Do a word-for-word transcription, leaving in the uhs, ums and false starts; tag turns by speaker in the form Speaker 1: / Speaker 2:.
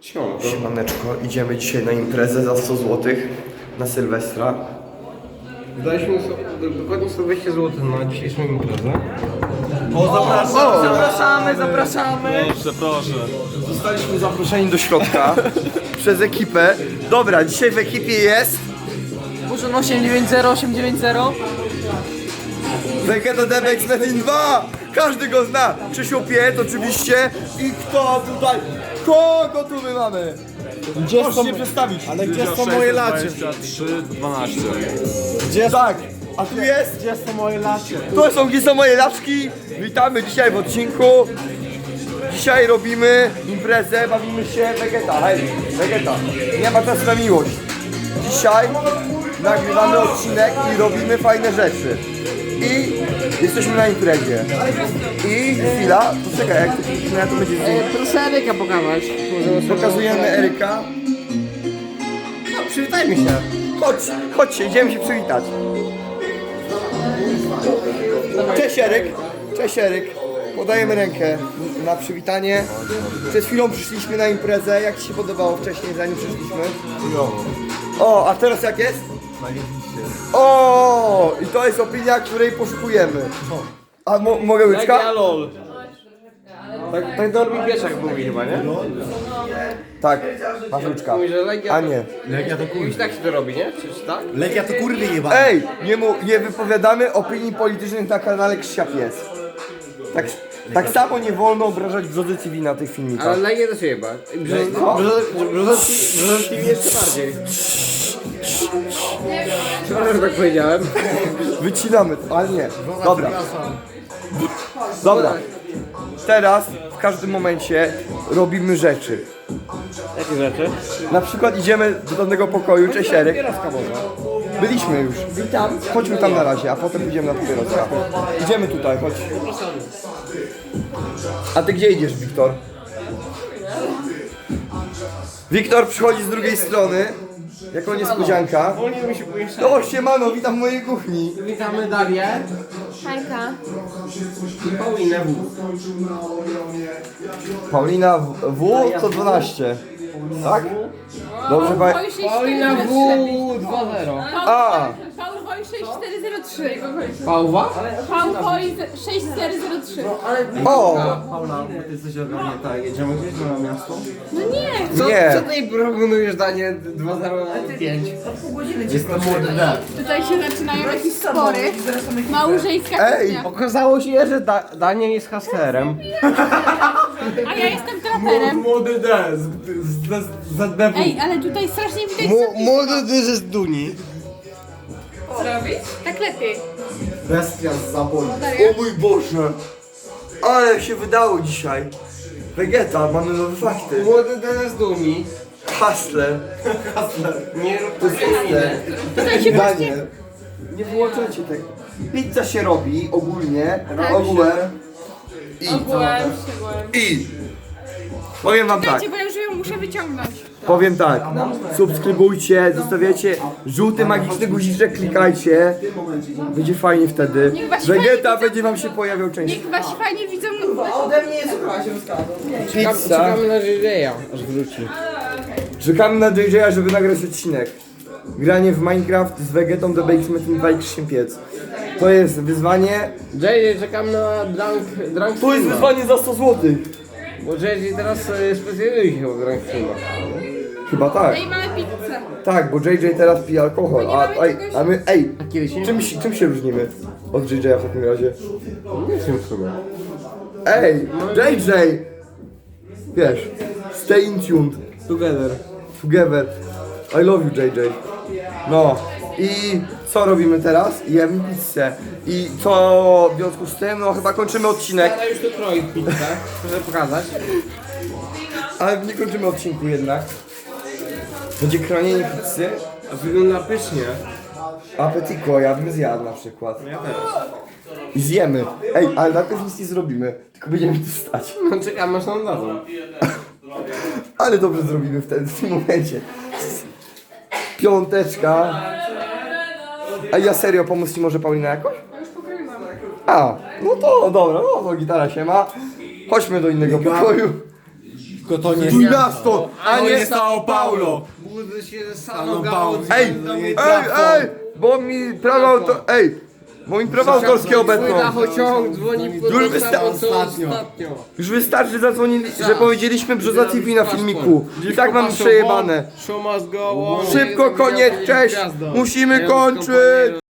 Speaker 1: Siemanko.
Speaker 2: Siemaneczko, idziemy dzisiaj na imprezę za sto złotych na Sylwestra.
Speaker 1: Daliśmy sobie, dokładnie sto dwieście złotych na dzisiejszą imprezę.
Speaker 2: O, zapraszamy!
Speaker 3: Zapraszamy, zapraszamy!
Speaker 4: Proszę, proszę.
Speaker 2: Zostaliśmy zaproszeni do środka przez ekipę. Dobra, dzisiaj w ekipie jest
Speaker 3: Muszon osiem dziewięć zero, osiem dziewięć zero.
Speaker 2: Vegeta Debex Metin dwa! Każdy go zna! Krzysiu Piet oczywiście. I kto tutaj? Kogo tu my mamy? Gdzie Możesz się przedstawić?
Speaker 4: Ale gdzie są moje lacie? trzy dwanaście.
Speaker 2: Gdzie tak? A tu jest?
Speaker 4: Gdzie są moje lacie?
Speaker 2: To są gdzie są moje laczki. Witamy dzisiaj w odcinku. Dzisiaj robimy imprezę, bawimy się Vegeta. Hej, Vegeta. Nie ma czasu na miłość. Dzisiaj nagrywamy odcinek i robimy fajne rzeczy. I jesteśmy na imprezie. I chwila, poczekaj, jak to, jak to będzie zdjęcie.
Speaker 3: Proszę Eryka pokazać.
Speaker 2: Pokazujemy Eryka.
Speaker 1: No, przywitajmy się.
Speaker 2: Chodź, chodźcie, idziemy się przywitać. Cześć Eryk. Cześć Eryk. Podajemy rękę na przywitanie. Przed chwilą przyszliśmy na imprezę. Jak Ci się podobało wcześniej, zanim przyszliśmy? O, a teraz jak jest? O, i to jest opinia, której poszukujemy. A mo mogę łyczka?
Speaker 1: lol. Tak, tak Dormi Pieszak mówi chyba, nie?
Speaker 2: Tak, masz łyczka.
Speaker 1: Mówi, że Legia...
Speaker 2: A nie.
Speaker 4: Legia to
Speaker 1: Już tak się to robi, nie? Czy tak?
Speaker 4: Legia to kurwy jeba.
Speaker 2: Ej, nie, mu, nie wypowiadamy opinii politycznych na kanale Krzysia Pies. Tak, tak samo nie wolno obrażać brzody T V na tych filmikach.
Speaker 1: Ale Legia to się chyba.
Speaker 2: Co?
Speaker 1: Brzozowski jeszcze bardziej. Przepraszam, że tak powiedziałem.
Speaker 2: Wycinamy to, ale nie. Dobra. Dobra. Teraz w każdym momencie robimy rzeczy.
Speaker 1: Jakie rzeczy?
Speaker 2: Na przykład idziemy do danego pokoju, cześć Eryk. Byliśmy już.
Speaker 3: Witam.
Speaker 2: Chodźmy tam na razie, a potem pójdziemy na papieroska. Idziemy tutaj, chodź. A ty gdzie idziesz, Wiktor? Wiktor przychodzi z drugiej strony. Jako niespodzianka.
Speaker 1: Wolniej mi się pomieszać.
Speaker 2: O, siemano, witam w mojej kuchni.
Speaker 1: Witamy Darię
Speaker 5: Hajka.
Speaker 1: i Paulinę W.
Speaker 2: Paulina W, w sto dwanaście. Tak? Dobrze, pa...
Speaker 1: Paulina W dwa zero.
Speaker 2: A!
Speaker 5: Paul Woj sześć cztery zero trzy.
Speaker 1: Pałwa?
Speaker 5: Paul Woj sześć cztery zero trzy.
Speaker 2: O!
Speaker 4: Paula, ty jesteś ogarnięta. Jedziemy gdzieś na miasto?
Speaker 5: No nie.
Speaker 1: Co,
Speaker 2: Nie.
Speaker 1: co ty proponujesz, Danie? dwa zero pięć.
Speaker 4: Jestem młody D.
Speaker 5: Tutaj się zaczynają jakieś spory. Małżeńska
Speaker 2: Ej!
Speaker 5: kuchnia.
Speaker 1: Okazało się, że da Daniel jest hustlerem.
Speaker 5: A ja jestem traperem.
Speaker 4: Młody D. Z, z, z, z D W.
Speaker 5: Ej, ale tutaj strasznie widać
Speaker 1: Młody ty z Duni.
Speaker 5: co robić. Tak lepiej.
Speaker 4: Bestia z zaboju.
Speaker 2: O mój Boże! Ale się wydało dzisiaj. Vegeta, mamy nowe fakty.
Speaker 1: Młody D z Duni.
Speaker 2: Hustler.
Speaker 1: Nie rób to
Speaker 5: Tutaj się właśnie...
Speaker 2: Daniel. Nie wyłączajcie tego. Pizza się robi ogólnie,
Speaker 5: Tak.
Speaker 2: ogółem. I,
Speaker 5: Ogółem, szczegółem.
Speaker 2: I. Powiem wam tak,
Speaker 5: Słuchajcie, bo ja już ją muszę wyciągnąć.
Speaker 2: powiem tak. Subskrybujcie, zostawiacie żółty magiczny guziczek, klikajcie. Będzie fajnie wtedy.
Speaker 5: Niech wasi
Speaker 2: Vegeta
Speaker 5: fani
Speaker 2: będzie wam się pojawiał częściej.
Speaker 5: Niech wasi fajnie widzą...
Speaker 2: Pizza.
Speaker 1: Czekamy na J J, aż wróci.
Speaker 2: Czekamy na J J, żeby nagrać odcinek. Granie w Minecraft z Vegetą, The Bakes Metin dwa i Krzysiem Piec. To jest wyzwanie.
Speaker 1: J J, czekamy na Drunk, drunk
Speaker 2: To jest
Speaker 1: Streama.
Speaker 2: wyzwanie za sto złotych.
Speaker 1: Bo J J teraz e, specjalizuje się w Drunk Streamach.
Speaker 2: Chyba tak.
Speaker 5: Ej, mamy pizzę.
Speaker 2: Tak, bo J J teraz pije alkohol. A, a, a my, ej,
Speaker 1: Kiedy się...
Speaker 2: czym, się- czym się różnimy od J J w takim razie?
Speaker 1: Nie wiem w sumie.
Speaker 2: Ej, J J! Wiesz, stay in tuned,
Speaker 1: Together.
Speaker 2: together. I love you J J. No i co robimy teraz? Jemy pizzę. I co w związku z tym? No chyba kończymy odcinek.
Speaker 1: Ale już to kroi pizzę, proszę pokazać.
Speaker 2: Ale nie kończymy odcinku jednak. Będzie kronienie pizzy.
Speaker 1: Wygląda pysznie.
Speaker 2: Apetiko, ja bym zjadł na przykład. I zjemy. Ej, ale najpierw nic nie zrobimy, tylko będziemy tu stać.
Speaker 1: No czekamy aż nam dadzą.
Speaker 2: Ale dobrze zrobimy wtedy, w tym momencie. Piąteczka. A ja serio, pomóc ci może Paulina jakoś? A, no to dobra, no to gitara się ma. Chodźmy do innego pokoju.
Speaker 4: Tylko to nie
Speaker 2: Twój miasto, a
Speaker 4: to
Speaker 2: nie...
Speaker 4: nie São Paulo.
Speaker 1: Budzę się ze
Speaker 4: Sano
Speaker 1: Sanoga
Speaker 4: Paulo.
Speaker 1: od
Speaker 2: Ej, ej, ej, bo mi prawa auto... Ej, bo mi prawa autorskie obecną.
Speaker 1: Dachociąg dzwoni po
Speaker 2: Już
Speaker 1: to
Speaker 2: wysta-
Speaker 1: samo, co
Speaker 4: ostatnio.
Speaker 1: ostatnio.
Speaker 2: Już wystarczy, zadzwonili, że powiedzieliśmy Brzoza T V na filmiku. I tak mamy przejebane.
Speaker 1: Show must go on.
Speaker 2: Szybko, koniec, cześć! Musimy kończyć!